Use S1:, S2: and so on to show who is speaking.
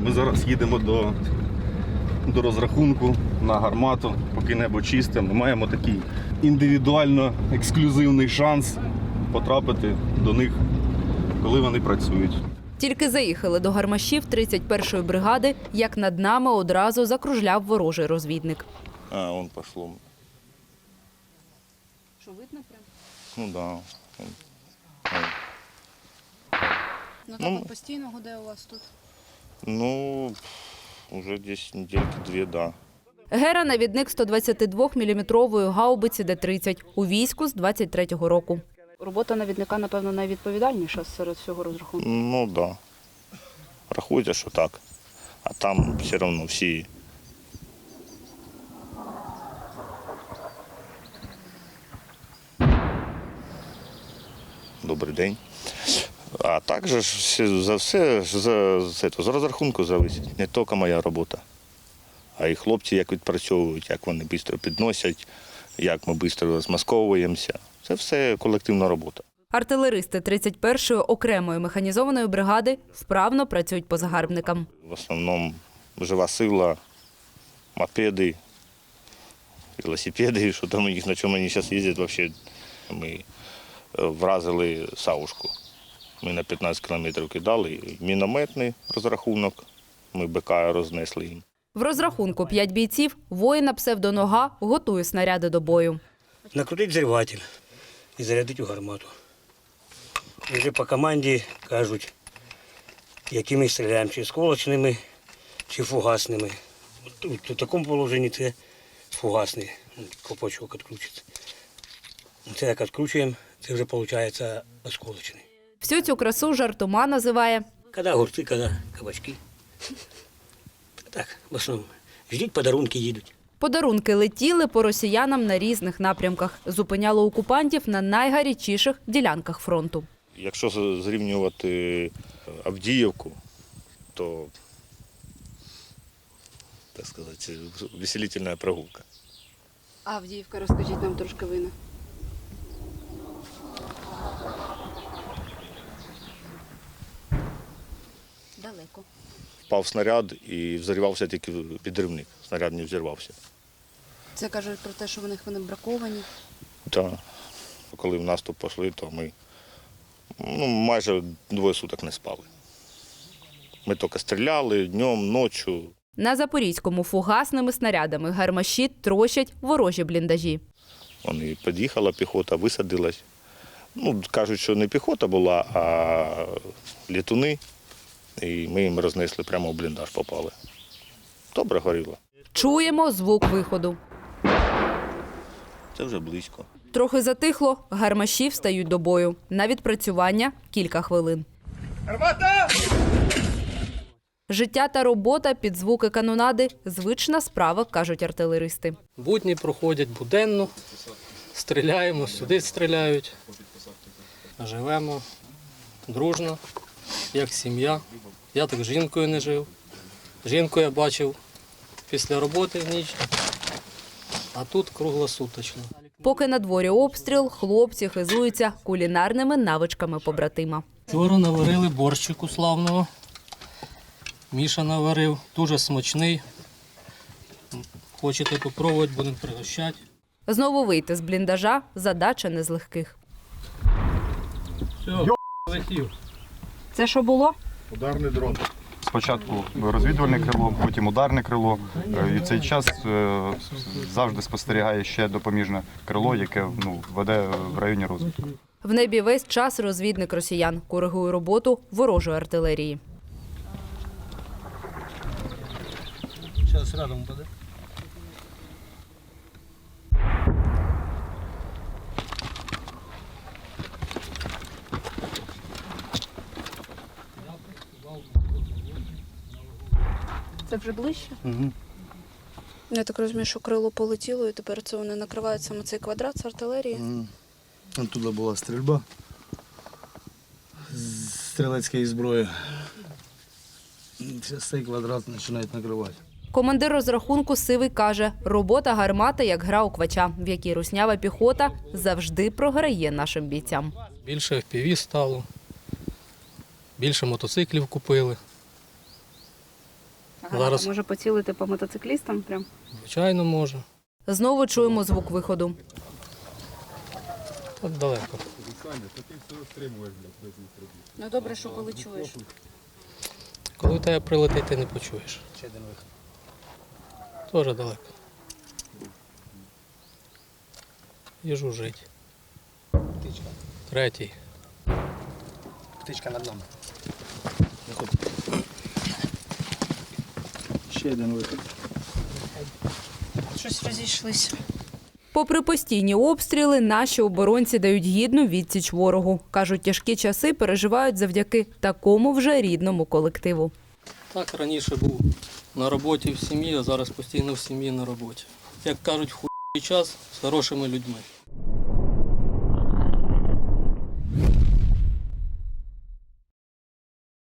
S1: Ми зараз їдемо до розрахунку на гармату, поки небо чисте. Ми маємо такий індивідуально ексклюзивний шанс потрапити до них, коли вони працюють.
S2: Тільки заїхали до гармашів 31-ї бригади, як над нами одразу закружляв ворожий розвідник.
S3: А, он пошло.
S2: Що, видно прям?
S3: Ну да.
S4: Ну так от постійно гуде у вас тут?
S3: Ну, уже десь недельки 2, да.
S2: Гера – навідник 122-мм гаубиці Д-30 у війську з 23-го року. Робота навідника, напевно, найвідповідальніша серед всього розрахунку.
S3: Ну да. Рахуйте, що так. А там все одно всі. Добрий день. А також за все з розрахунку залежить не тільки моя робота, а й хлопці, як відпрацьовують, як вони швидко підносять, як ми швидко розмасковуємося. Це все колективна робота.
S2: Артилеристи 31-ї окремої механізованої бригади вправно працюють по загарбникам.
S3: В основному жива сила, мопеди, велосипеди, що там у них, на чому вони зараз їздять, взагалі. Ми вразили Савушку. Ми на 15 кілометрів кидали, мінометний розрахунок, ми БК рознесли їм.
S2: В розрахунку 5 бійців воїна псевдонога готує снаряди до бою.
S5: Накрутити взриватель і зарядити у гармату. І вже по команді кажуть, якими стріляємо, чи сколочними, чи фугасними. У такому положенні це фугасний колпачок відкручується. Це як відкручуємо, це вже виходить осколочний.
S2: Всю цю красу жартома називає
S5: Коли огурці, коли кабачки. Так, в основному. Ждіть, подарунки їдуть.
S2: подарунки летіли по росіянам на різних напрямках. Зупиняло окупантів на найгарячіших ділянках фронту.
S3: Якщо зрівнювати Авдіївку, то, так сказати, веселительна прогулка.
S4: Авдіївка, розкажіть нам трошки вина. Далеко.
S3: Впав снаряд і взривався тільки підривник. Снаряд не взірвався.
S4: Це кажуть про те, що вони браковані.
S3: Так. Коли в наступ пішли, то ми майже 2 суток не спали. Ми тільки стріляли днем, ночі.
S2: На Запорізькому фугасними снарядами гармаші трощать ворожі бліндажі.
S3: Вони під'їхала піхота, висадилась. Кажуть, що не піхота була, а літуни. І ми їм рознесли, прямо в бліндаж попали. Добре горіло.
S2: Чуємо звук виходу.
S3: Це вже близько.
S2: Трохи затихло, гармаші встають до бою. На відпрацювання кілька хвилин. Гармата! Життя та робота під звуки канонади – звична справа, кажуть артилеристи.
S6: Будні проходять буденно, стріляємо, сюди стріляють. Живемо дружно, як сім'я. Я так з жінкою не жив. Жінку я бачив після роботи в ніч, а тут круглосуточно.
S2: Поки на дворі обстріл, хлопці хизуються кулінарними навичками побратима.
S6: Вчора наварили борщику славного. Міша наварив, дуже смачний. Хочете попробувати, будемо пригощати.
S2: Знову вийти з бліндажа – задача не з легких.
S6: Все, летів.
S2: Це що було?
S1: Ударний дрон. Спочатку розвідувальне крило, потім ударне крило. І в цей час завжди спостерігає ще допоміжне крило, яке веде в районі розвідки.
S2: В небі весь час розвідник росіян коригує роботу ворожої артилерії.
S5: Зараз рядом буде.
S4: Це вже ближче?
S5: Угу.
S4: Я так розумію, що крило полетіло, і тепер це вони накривають саме цей квадрат з артилерії.
S7: Оттуда була стрільба з стрілецької зброї. Зараз цей квадрат починають накривати.
S2: Командир розрахунку Сивий каже, робота гармати як гра у квача, в якій руснява піхота завжди програє нашим бійцям.
S6: Більше FPV стало, більше мотоциклів купили. Зараз.
S2: Може поцілити по мотоциклістам прям?
S6: Звичайно, може.
S2: Знову чуємо звук виходу.
S6: Тут далеко.
S2: Ну добре, що коли чуєш.
S6: Коли у тебе прилетить, ти не почуєш. Теж далеко. Їжу жить. Третій.
S7: Птичка над нами. Виходь. Ще один вихід.
S4: Щось розійшлися.
S2: Попри постійні обстріли, наші оборонці дають гідну відсіч ворогу. Кажуть, тяжкі часи переживають завдяки такому вже рідному колективу.
S6: Так раніше був на роботі в сім'ї, а зараз постійно в сім'ї на роботі. Як кажуть, в хуй час з хорошими людьми.